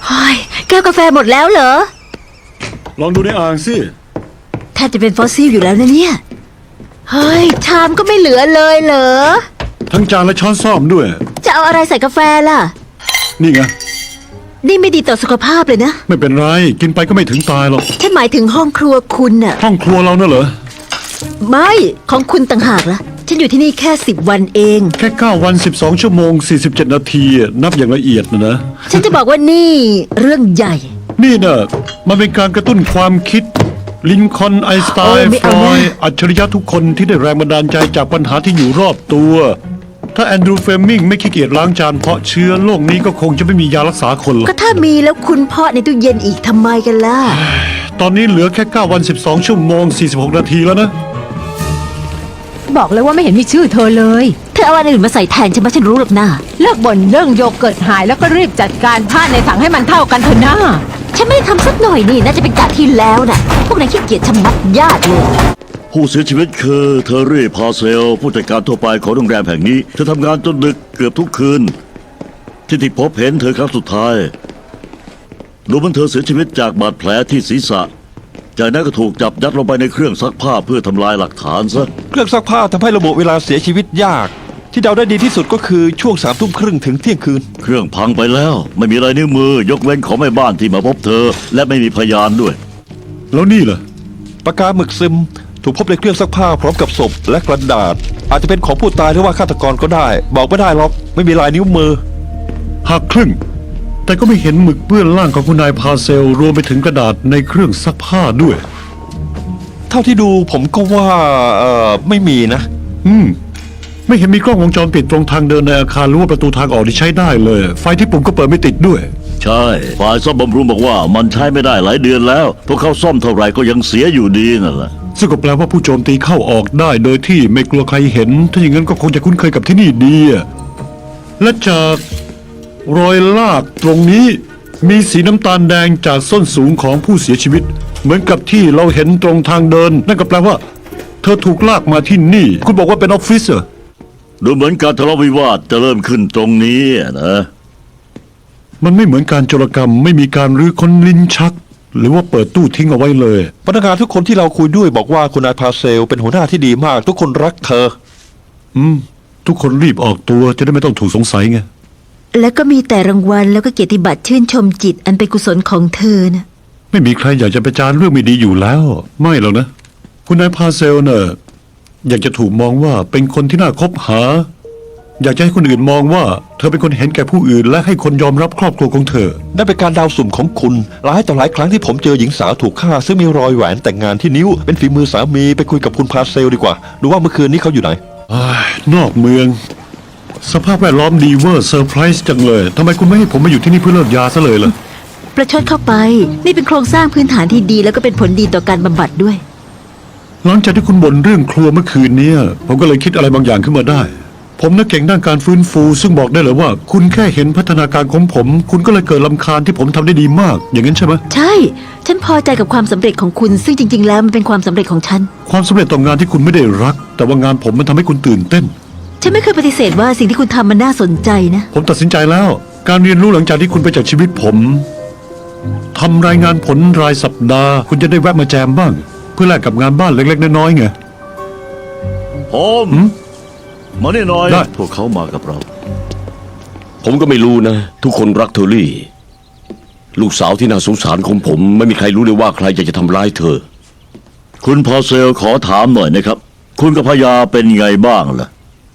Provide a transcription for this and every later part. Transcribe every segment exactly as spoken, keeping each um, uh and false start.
เฮ้ยแก้วกาแฟหมดแล้วเหรอลองดูในอ่างสิแทบจะเป็นฟอสซิลอยู่แล้วนะเนี่ยเฮ้ยชามก็ไม่เหลือเลยเหรอทั้งจานและช้อนส้อมด้วยจะเอาอะไรใส่กาแฟล่ะนี่ไงนี่ไม่ดีต่อสุขภาพเลยนะไม่เป็นไรกินไปก็ไม่ถึงตายหรอกฉันหมายถึงห้องครัวคุณน่ะห้องครัวเราน่ะเหรอไม่ของคุณต่างหากล่ะฉันอยู่ที่นี่แค่สิบวันเองแค่เก้าวันสิบสองชั่วโมงสี่สิบเจ็ดนาทีนับอย่างละเอียดนะนะฉันจะบอกว่านี่เรื่องใหญ่นี่น่ะมันเป็นการกระตุ้นความคิดลินคอล์นไอน์สไตน์ฟรอยด์อัจฉริยะทุกคนที่ได้แรงบันดาลใจจากปัญหาที่อยู่รอบตัวถ้าแอนดรูว์ เฟลมิงไม่ขี้เกียจล้างจานเพราะเชื้อโรคนี้ก็คงจะไม่มียารักษาคนหรอกก็ถ้ามีแล้วคุณเพาะในตู้เย็นอีกทำไมกันล่ะตอนนี้เหลือแค่เก้าวันสิบสองชั่วโมงสี่สิบหกนาทีแล้วนะบอกเลยว่าไม่เห็นมีชื่อเธอเลยเธอเอาอะไรอื่นมาใส่แทนฉันมาฉันรู้หรอกนะเลิกบ่นเรื่องโยเกิร์ตหายแล้วก็รีบจัดการผ้าในถังให้มันเท่ากันเถอะนะฉันไม่ได้ทำสักหน่อยนี่น่าจะเป็นกะที่แล้วน่ะพวกนายขี้เกียจชะมัดญาติเลยผู้เสียชีวิตคือเทอร์รี่พาเซลผู้จัดการทั่วไปของโรงแรมแห่งนี้เธอทำงานจนดึกเกือบทุกคืนที่ที่พบเห็นเธอครั้งสุดท้ายดูเหมือนเธอเสียชีวิตจากบาดแผลที่ศีรษะจากนั้นก็ถูกจับยัดลงไปในเครื่องซักผ้าเพื่อทำลายหลักฐานซะเครื่องซักผ้าทำให้ระบุเวลาเสียชีวิตยากที่เดาได้ดีที่สุดก็คือช่วงสามทุ่มครึ่งถึงเที่ยงคืนเครื่องพังไปแล้วไม่มีลายนิ้วมือยกเว้นของแม่บ้านที่มาพบเธอและไม่มีพยานด้วยแล้วนี่ล่ะปากกาหมึกซึมถูกพบในเครื่องซักผ้าพร้อมกับศพและกระดาษอาจจะเป็นของผู้ตายหรือว่าฆาตกรก็ได้บอกไม่ได้หรอกไม่มีลายนิ้วมือหักครึ่งแต่ก็ไม่เห็นหมึกเปื้อนร่างของคุณนายพาเซลรวมไปถึงกระดาษในเครื่องซักผ้าด้วยเท่าที่ดูผมก็ว่าเอ่อไม่มีนะอืมไม่เห็นมีกล้องวงจรปิดตรงทางเดินในอาคารหรือว่าประตูทางออกที่ใช้ได้เลยไฟที่ปุ่มก็เปิดไม่ติดด้วยใช่ฝ่ายซ่อมบำรุงบอกว่ามันใช้ไม่ได้หลายเดือนแล้วพวกเขาซ่อมเท่าไหร่ก็ยังเสียอยู่ดีนั่นแหละซึ่งก็แปลว่าผู้โจมตีเข้าออกได้โดยที่ไม่กลัวใครเห็นถ้าอย่างนั้นก็คงจะคุ้นเคยกับที่นี่ดีและจากรอยลากตรงนี้มีสีน้ำตาลแดงจากส้นสูงของผู้เสียชีวิตเหมือนกับที่เราเห็นตรงทางเดินนั่นก็แปลว่าเธอถูกลากมาที่นี่คุณบอกว่าเป็นออฟฟิศเหรอดูเหมือนการทะเลาะวิวาทจะเริ่มขึ้นตรงนี้นะมันไม่เหมือนการโจรกรรมไม่มีการรื้อค้นลิ้นชักหรือว่าเปิดตู้ทิ้งเอาไว้เลยพนักงานทุกคนที่เราคุยด้วยบอกว่าคุณนายพาเซลเป็นหัวหน้าที่ดีมากทุกคนรักเธออืมทุกคนรีบออกตัวจะได้ไม่ต้องถูกสงสัยไงแล้วก็มีแต่รางวัลแล้วก็เกียรติบัตรชื่นชมจิตอันเป็นกุศลของเธอนะไม่มีใครอยากจะประจานเรื่องไม่ดีอยู่แล้วไม่หรอกนะคุณนายพาเซลเนอะอยากจะถูกมองว่าเป็นคนที่น่าคบหาอยากจะให้คนอื่นมองว่าเธอเป็นคนเห็นแก่ผู้อื่นและให้คนยอมรับครอบครัวของเธอนั่นเป็นการเดาสุ่มของคุณหลายต่อหลายครั้งที่ผมเจอหญิงสาวถูกฆ่าซึ่งมีรอยแหวนแต่งงานที่นิ้วเป็นฝีมือสามีไปคุยกับคุณพาเซลดีกว่าดูว่าเมื่อคืนนี้เขาอยู่ไหนนอกเมืองสภาพแวดล้อมดีเวอร์เซอร์ไพรส์จังเลยทำไมคุณไม่ให้ผมมาอยู่ที่นี่เพื่อเลิกยาซะเลยล่ะประชดเข้าไปนี่เป็นโครงสร้างพื้นฐานที่ดีแล้วก็เป็นผลดีต่อการบำบัดด้วยหลังจากที่คุณบ่นเรื่องครัวเมื่อคืนนี้ผมก็เลยคิดอะไรบางอย่างขึ้นมาได้ผมน่ะเก่งด้านการฟื้นฟูซึ่งบอกได้เลยว่าคุณแค่เห็นพัฒนาการของผมคุณก็เลยเกิดรำคาญที่ผมทำได้ดีมากอย่างนั้นใช่ไหมใช่ฉันพอใจกับความสำเร็จของคุณซึ่งจริงๆแล้วมันเป็นความสำเร็จของฉันความสำเร็จต่องานที่คุณไม่ได้รักแต่ว่างานผมมันทำให้คุณตื่นเต้นฉันไม่เคยปฏิเสธว่าสิ่งที่คุณทำมันน่าสนใจนะผมตัดสินใจแล้วการเรียนรู้หลังจากที่คุณไปจากชีวิตผมทำรายงานผลรายสัปดาห์คุณจะได้แวะมาแจมบ้างเพื่อแลกกับงานบ้านเล็กๆน้อยๆไงผมมานี่หน่อยพวกเขามากับเราผมก็ไม่รู้นะทุกคนรักเทอรี่ลูกสาวที่น่าสงสารของผมไม่มีใครรู้เลยว่าใครอยากจะทำร้ายเธอคุณพอเซลขอถามหน่อยนะครับคุณกับภรรยาเป็นไงบ้างล่ะ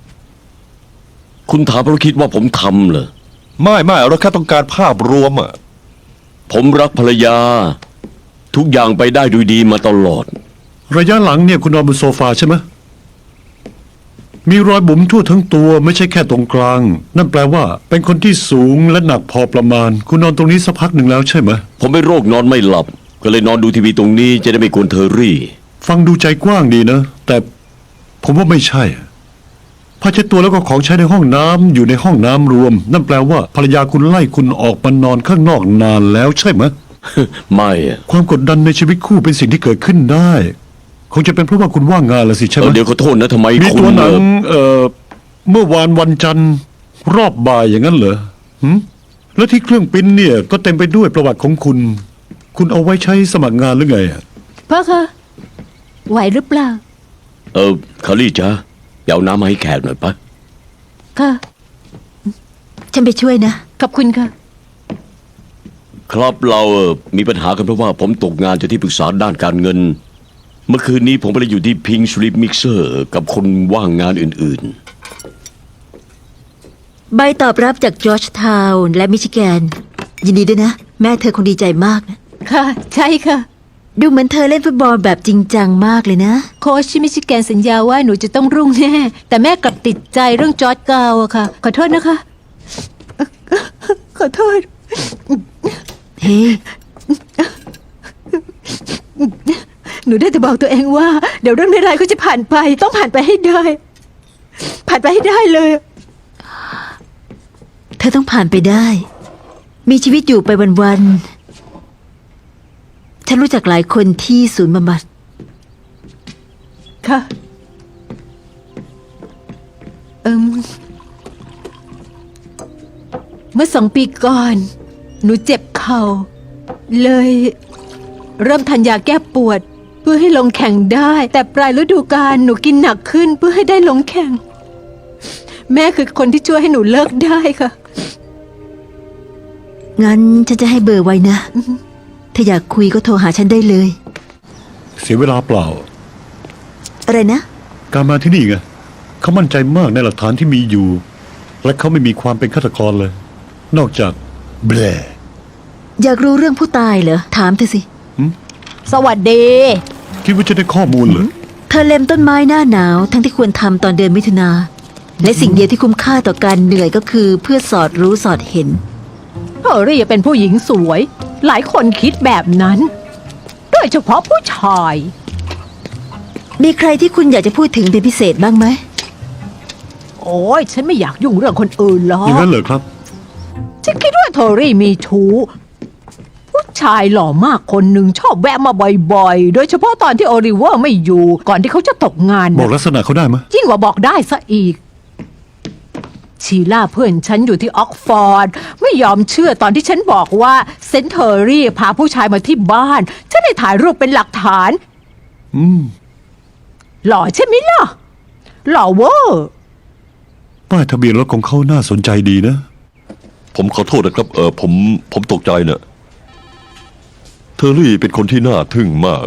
คุณถามเพราะคิดว่าผมทำเหรอไม่ไม่เราแค่ต้องการภาพรวมอ่ะผมรักภรรยาทุกอย่างไปได้ด้วยดีมาตลอดระยะหลังเนี่ยคุณนอนบนโซฟาใช่ไหมมีรอยบุ๋มทั่วทั้งตัวไม่ใช่แค่ตรงกลางนั่นแปลว่าเป็นคนที่สูงและหนักพอประมาณคุณนอนตรงนี้สักพักหนึ่งแล้วใช่ไหมผมเป็นโรคนอนไม่หลับก็เลยนอนดูทีวีตรงนี้จะได้ไม่กวนเทอรี่ฟังดูใจกว้างดีนะแต่ผมว่าไม่ใช่ผ้าเช็ดตัวแล้วก็ของใช้ในห้องน้ำอยู่ในห้องน้ำรวมนั่นแปลว่าภรรยาคุณไล่คุณออกมานอนข้างนอกนานแล้วใช่ไหมไม่ความกดดันในชีวิตคู่เป็นสิ่งที่เกิดขึ้นได้คงจะเป็นเพราะว่าคุณว่างงานละสิใช่ไหมเดี๋ยวขอโทษนะทำไมมีตัวหนังเอ่อเมื่อวานวันจันทร์รอบบ่ายอย่างนั้นเหรอแล้วที่เครื่องปริ้นเนี่ยก็เต็มไปด้วยประวัติของคุณ คุณเอาไว้ใช้สมัครงานหรือไงอะพ่อคะไหวหรือเปล่าเออคารี่จ้าไปเอาน้ำมาให้แขกหน่อยปะค่ะฉันไปช่วยนะขอบคุณค่ะครับเราเอ่อมีปัญหากันเพราะว่าผมตกงานจากที่ปรึกษาด้านการเงิน เมื่อคืนนี้ผมไปอยู่ที่พิงสลิปมิกเซอร์กับคนว่างงานอื่นใบตอบรับจากจอร์จทาวน์และมิชิแกน ยินดีด้วยนะ แม่เธอคงดีใจมากนะค่ะ ใช่ค่ะดูเหมือนเธอเล่นฟุตบอลแบบจริงจังมากเลยนะโค้ชที่มิชิแกนสัญญาว่าหนูจะต้องรุ่งแน่ แต่แม่กลับติดใจเรื่องจอร์จกาวอะค่ะ ขอโทษนะคะ ขอโทษเฮ้ยหนูได้แต่บอกตัวเองว่า เดี๋ยวเรื่องร้ายๆก็จะผ่านไป ต้องผ่านไปให้ได้ ผ่านไปให้ได้เลยเธอต้องผ่านไปได้ มีชีวิตอยู่ไปวันๆ ฉันรู้จักหลายคนที่ศูนย์บำบัดค่ะ เอิมเมื่อสองปีก่อน หนูเจ็บเข่า เลย เริ่มทานยาแก้ปวด เพื่อให้ลงแข่งได้ แต่ปลายฤดูกาลหนูกินหนักขึ้นเพื่อให้ได้ลงแข่ง แม่คือคนที่ช่วยให้หนูเลิกได้ค่ะงั้นฉันจะให้เบอร์ไว้นะ ถ้าอยากคุยก็โทรหาฉันได้เลยเสียเวลาเปล่าอะไรนะการมาที่นี่ไงเขามั่นใจมากในหลักฐานที่มีอยู่ และเขาไม่มีความเป็นฆาตกรเลย นอกจากแบลอยากรู้เรื่องผู้ตายเหรอ ถามเธอสิสวัสดีคิดว่าจะได้ข้อมูลเหรอเธอเล็มต้นไม้หน้าหนาว ทั้งที่ควรทำตอนเดือนมิถุนาและสิ่งเดียวที่คุ้มค่าต่อการเหนื่อยก็คือเพื่อสอดรู้สอดเห็นเฮอรี่เป็นผู้หญิงสวย หลายคนคิดแบบนั้น โดยเฉพาะผู้ชายมีใครที่คุณอยากจะพูดถึงเป็นพิเศษบ้างไหมโอ้ยฉันไม่อยากยุ่งเรื่องคนอื่นหรออย่างกนั้นเหรอครับฉันคิดว่าเทอรี่มีชู้ ผู้ชายหล่อมากคนหนึ่งชอบแวะมาบ่อยๆ โดยเฉพาะตอนที่โอลิเวอร์ไม่อยู่ ก่อนที่เขาจะตกงานบอกนะลักษณะเขาได้ไหมยยิ่งกว่าบอกได้ซะอีก ชีล่าเพื่อนฉันอยู่ที่ออกฟอร์ด ไม่ยอมเชื่อตอนที่ฉันบอกว่าเซนเทอรี่พาผู้ชายมาที่บ้าน ฉันได้ถ่ายรูปเป็นหลักฐานอืมหล่อใช่ไหมล่ะ หล่อเวอร์ป้ายทะเบียนรถของเขาน่าสนใจดีนะผมขอโทษนะครับ เออผมผมตกใจเนะ่ะเทอรี่เป็นคนที่น่าทึ่งมาก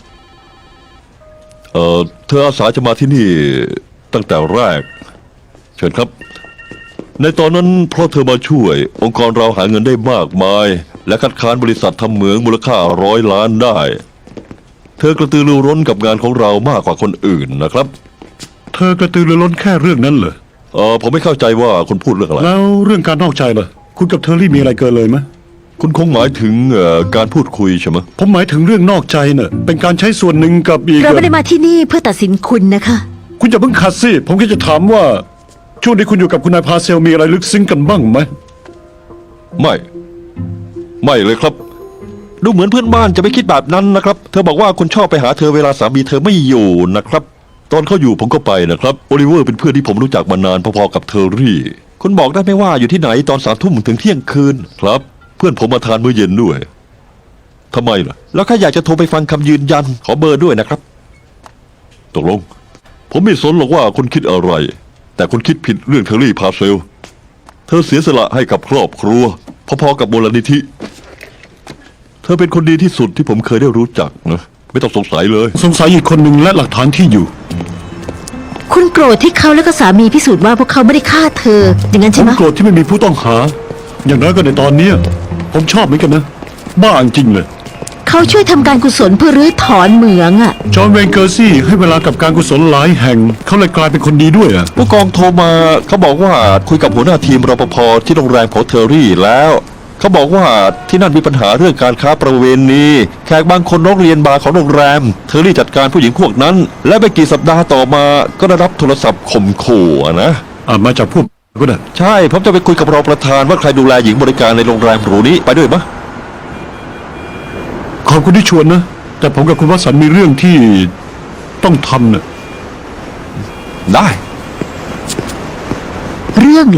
เออเธออาสาจะมาที่นี่ตั้งแต่แรก เชิญครับ ในตอนนั้นเพราะเธอมาช่วย องค์กรเราหาเงินได้มากมาย และคัดค้านบริษัททำเหมืองมูลค่าร้อยล้านได้ เธอกระตือรือร้นกับงานของเรามากกว่าคนอื่นนะครับเธอกระตือรือร้นแค่เรื่องนั้นเหรอเออผมไม่เข้าใจว่าคุณพูดเรื่องอะไรแล้วเรื่องการนอกใจล่ะ คุณกับเทอร์รี่มีอะไรเกินเลยไหมยคุณคงหมายถึงเอ่อการพูดคุยใช่ไหมผมหมายถึงเรื่องนอกใจเน่ะ เป็นการใช้ส่วนหนึ่งกับอีกเราไม่ได้มาที่นี่เพื่อตัดสินคุณนะคะคุณอย่าเพิ่งขัดสิ ผมแค่จะถามว่า ช่วงที่คุณอยู่กับคุณนายพาเซลมีอะไรลึกซึ้งกันบ้างไหมไม่ ไม่เลยครับ ดูเหมือนเพื่อนบ้านจะไม่คิดแบบนั้นนะครับ เธอบอกว่าคุณชอบไปหาเธอเวลาสามีเธอไม่อยู่นะครับ ตอนเขาอยู่ผมก็ไปนะครับโอลิเวอร์เป็นเพื่อนที่ผมรู้จักมานานพอๆกับเทอร์รี่ คุณบอกได้ไหมว่าอยู่ที่ไหนตอนสามทุ่มถึงเที่ยงคืนครับ เพื่อนผมมาทานมื้อเย็นด้วยทำไมล่ะ แล้วข้าอยากจะโทรไปฟังคำยืนยันขอเบอร์ด้วยนะครับตกลง ผมไม่สนหรอกว่าคุณคิดอะไร แต่คุณคิดผิดเรื่องเทอร์รี่พาเซล เธอเสียสละให้กับครอบครัวพอๆกับมูลนิธิ เธอเป็นคนดีที่สุดที่ผมเคยได้รู้จักนะไม่ต้องสงสัยเลยสงสัยอีกคนหนึ่งและหลักฐานที่อยู่คุณโกรธที่เขาและก็สามีพิสูจน์ว่าพวกเขาไม่ได้ฆ่าเธอ อย่างนั้นผใช่มไหมโกรธที่ไม่มีผู้ต้องหา อย่างน้อยก็ในตอนเนี้ยผมชอบเหมือนกันนะ บ้าจริงเลยเขาช่วยทำการกุศลเพื่อรื้อถอนเหมืองอะจอห์นเวนเกอร์ซี่ให้เวลากับการกุศลหลายแห่ง เขาเลยกลายเป็นคนดีด้วยอ่ะผู้กองโทรมาเขาบอกว่าคุยกับหัวหน้าทีมรปภที่โรงแรมของเทอร์รี่แล้ว เขาบอกว่าที่นั่นมีปัญหาเรื่องการค้าประเวณีแขกบางคนร้องเรียนบาร์ของโรงแรม เทอร์รี่จัดการผู้หญิงพวกนั้น และไม่กี่สัปดาห์ต่อมาก็ได้รับโทรศัพท์ข่มขู่อะนะอ่ามาจากพวกก็ได้ใช่ผมจะไปคุยกับรองประธานว่าใครดูแลหญิงบริการในโรงแรมหรูนี้ไปด้วยมะขอบคุณที่ชวนนะ แต่ผมกับคุณวสันต์มีเรื่องที่ต้องทำนะได้เรื่องเหรอ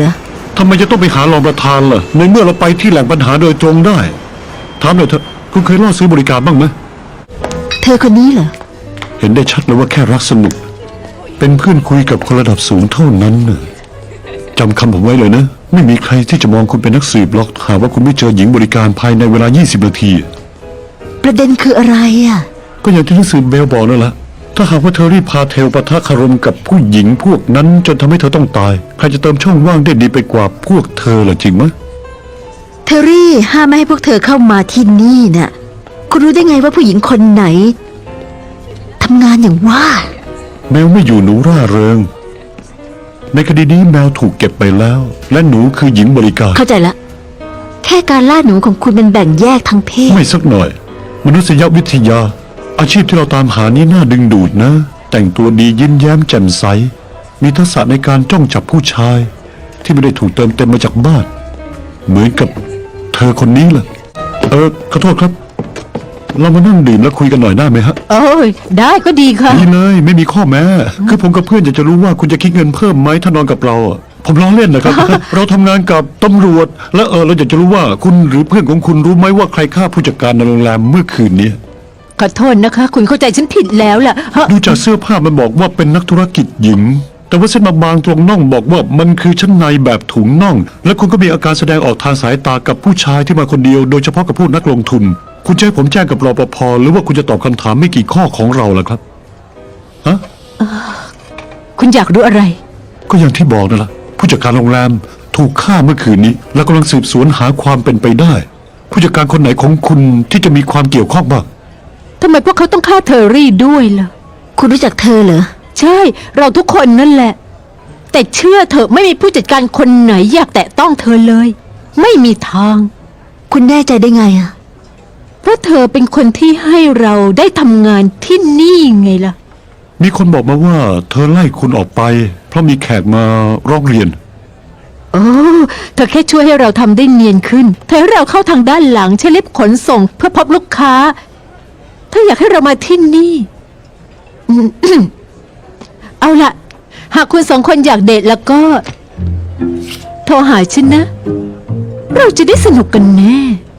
ทำไมจะต้องไปหารองประธานล่ะ ในเมื่อเราไปที่แหล่งปัญหาโดยตรงได้ ถามหน่อยเถอะคุณเคยล่อซื้อบริการบ้างไหมเธอคนนี้เหรอเห็นได้ชัดเลยว่าแค่รักสนุก เป็นเพื่อนคุยกับคนระดับสูงเท่านั้นน่ะจำคำผมไว้เลยนะ ไม่มีใครที่จะมองคุณเป็นนักสืบหรอกหากว่าคุณไม่เจอหญิงบริการภายในเวลา ยี่สิบ นาทีประเด็นคืออะไรอ่ะก็อย่างที่หนังสือเบลบอกนั่นแหละ ถ้าหากว่าเธอรีบพาเทลปะทะคารมกับผู้หญิงพวกนั้นจนทำให้เธอต้องตาย ใครจะเติมช่องว่างได้ดีไปกว่าพวกเธอล่ะจริงไหมเทอรี่ห้ามไม่ให้พวกเธอเข้ามาที่นี่น่ะ คุณรู้ได้ไงว่าผู้หญิงคนไหนทำงานอย่างว่าแมวไม่อยู่หนูร่าเริง ในคดีนี้แมวถูกเก็บไปแล้ว และหนูคือหญิงบริการเข้าใจละ แค่การล่าหนูของคุณมันแบ่งแยกทางเพศไม่สักหน่อย มนุษยวิทยา อาชีพที่เราตามหานี้น่าดึงดูดนะ แต่งตัวดียิ้มแย้มแจ่มใส มีทักษะในการจ้องจับผู้ชาย ที่ไม่ได้ถูกเติมเต็มมาจากบ้าน เหมือนกับเธอคนนี้แหละเออขอโทษครับ เรามานั่งดื่มแล้วคุยกันหน่อยได้ไหมฮะโอ้ยได้ก็ดีค่ะดีเลยไม่มีข้อแม้ คือผมกับเพื่อนอยากจะรู้ว่าคุณจะคิดเงินเพิ่มไหมถ้านอนกับเราอะผมล้อเล่นนะครับ เราทำงานกับตำรวจ และเออเราอยากจะรู้ว่าคุณหรือเพื่อนของคุณรู้ไหมว่าใครฆ่าผู้จัดการในโรงแรมเมื่อคืนนี้ขอโทษนะคะ คุณเข้าใจฉันผิดแล้วล่ะฮะดูจากเสื้อผ้ามันบอกว่าเป็นนักธุรกิจหญิง แต่ว่าเส้นบางๆตรงน่องบอกว่ามันคือชั้นในแบบถุงน่อง และคุณก็มีอาการแสดงออกทางสายตากับผู้ชายที่มาคนเดียว โดยเฉพาะกับพวกนักลงทุน คุณจะให้ผมแจ้งกับรปภหรือว่าคุณจะตอบคำถามไม่กี่ข้อของเราล่ะครับฮะคุณอยากรู้อะไรก็อย่างที่บอกนั่นแหละผู้จัดการโรงแรมถูกฆ่าเมื่อคืนนี้ และกำลังสืบสวนหาความเป็นไปได้ ผู้จัดการคนไหนของคุณที่จะมีความเกี่ยวข้องบ้างทำไมพวกเขาต้องฆ่าเทอรี่ด้วยล่ะคุณรู้จักเธอเหรอใช่ เราทุกคนนั่นแหละ แต่เชื่อเถอะไม่มีผู้จัดการคนไหนอยากแตะต้องเธอเลย ไม่มีทางคุณแน่ใจได้ไงอ่ะเพราะเธอเป็นคนที่ให้เราได้ทำงานที่นี่ไงล่ะมีคนบอกมาว่าเธอไล่คุณออกไป เพราะมีแขกมาร้องเรียนโอ้เธอแค่ช่วยให้เราทำได้เนียนขึ้น เธอให้เราเข้าทางด้านหลังใช้ลิฟต์ขนส่งเพื่อพบลูกค้า เธออยากให้เรามาที่นี่อืม เอาล่ะ หากคุณสองคนอยากเดทแล้วก็ โทรหาฉันนะ เราจะได้สนุกกันแน่